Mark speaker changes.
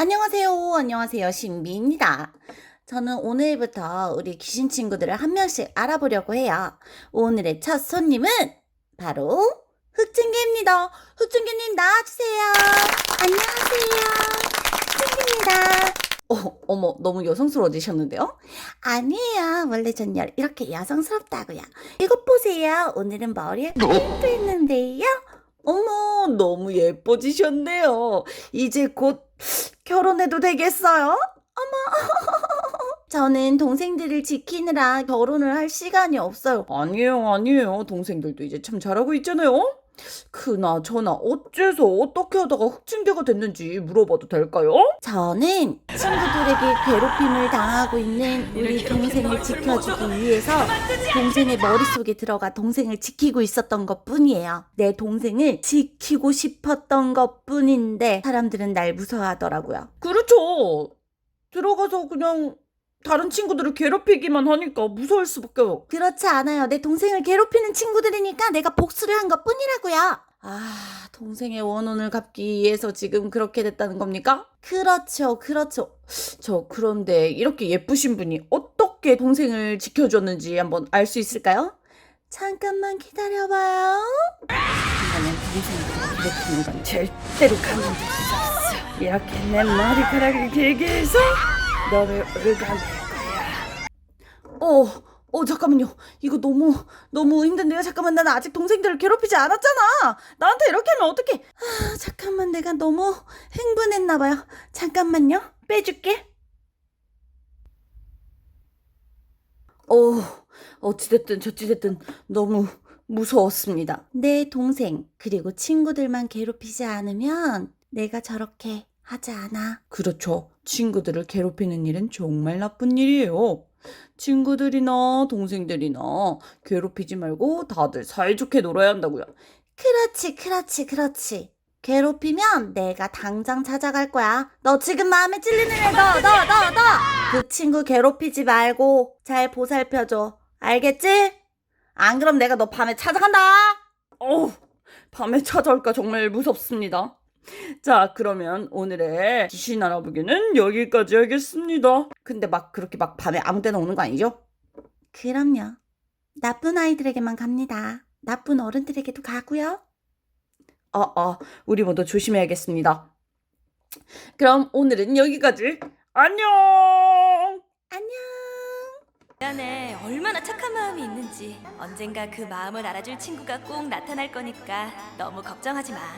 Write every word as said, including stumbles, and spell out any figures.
Speaker 1: 안녕하세요. 안녕하세요. 신비입니다. 저는 오늘부터 우리 귀신 친구들을 한 명씩 알아보려고 해요. 오늘의 첫 손님은 바로 흑증개입니다. 흑증개님 나와주세요. 안녕하세요. 흑증개입니다. 어, 어머, 너무 여성스러워지셨는데요? 아니에요. 원래 전 여- 이렇게 여성스럽다고요. 이것 보세요. 오늘은 머리에 핀도 했는데요. 어머, 너무 예뻐지셨네요. 이제 곧 결혼해도 되겠어요? 저는 동생들을 지키느라 결혼을 할 시간이 없어요. 아니에요, 아니에요. 동생들도 이제 참 잘하고 있잖아요. 그나저나 어째서 어떻게 하다가 흑진개가 됐는지 물어봐도 될까요? 저는 친구들에게 괴롭힘을 당하고 있는 우리 동생을 지켜주기 위해서 동생의 머릿속에 들어가 동생을 지키고 있었던 것 뿐이에요. 내 동생을 지키고 싶었던 것 뿐인데 사람들은 날 무서워하더라고요. 그렇죠. 들어가서 그냥 다른 친구들을 괴롭히기만 하니까 무서울 수밖에 없. 그렇지 않아요. 내 동생을 괴롭히는 친구들이니까 내가 복수를 한 것뿐이라고요. 아, 동생의 원혼을 갚기 위해서 지금 그렇게 됐다는 겁니까? 그렇죠, 그렇죠. 저 그런데 이렇게 예쁘신 분이 어떻게 동생을 지켜줬는지 한번 알 수 있을까요? 잠깐만 기다려봐요. 그러면 동생을 괴롭히는 건 절대로 가만둘 수 없어. 이렇게 내 머리카락을 길게 해서 너를 얼간될 거야. 어, 어, 잠깐만요. 이거 너무, 너무 힘든데요? 잠깐만, 나는 아직 동생들을 괴롭히지 않았잖아. 나한테 이렇게 하면 어떡해. 아, 잠깐만, 내가 너무 흥분했나봐요. 잠깐만요. 빼줄게. 어, 어찌됐든 저찌됐든 너무 무서웠습니다. 내 동생, 그리고 친구들만 괴롭히지 않으면 내가 저렇게 하지 않아. 그렇죠. 친구들을 괴롭히는 일은 정말 나쁜 일이에요. 친구들이나 동생들이나 괴롭히지 말고 다들 사이좋게 놀아야 한다고요. 그렇지, 그렇지, 그렇지. 괴롭히면 내가 당장 찾아갈 거야. 너 지금 마음에 찔리는 애 너, 너, 너, 너. 그 친구 괴롭히지 말고 잘 보살펴줘. 알겠지? 안 그럼 내가 너 밤에 찾아간다. 어우, 밤에 찾아올까 정말 무섭습니다. 자, 그러면 오늘의 귀신 알아보기는 여기까지 하겠습니다. 근데 막 그렇게 막 밤에 아무 데나 오는 거 아니죠? 그럼요. 나쁜 아이들에게만 갑니다. 나쁜 어른들에게도 가고요. 어, 어, 우리 모두 조심해야겠습니다. 그럼 오늘은 여기까지. 안녕! 안녕!
Speaker 2: 그 안에 얼마나 착한 마음이 있는지 언젠가 그 마음을 알아줄 친구가 꼭 나타날 거니까 너무 걱정하지 마.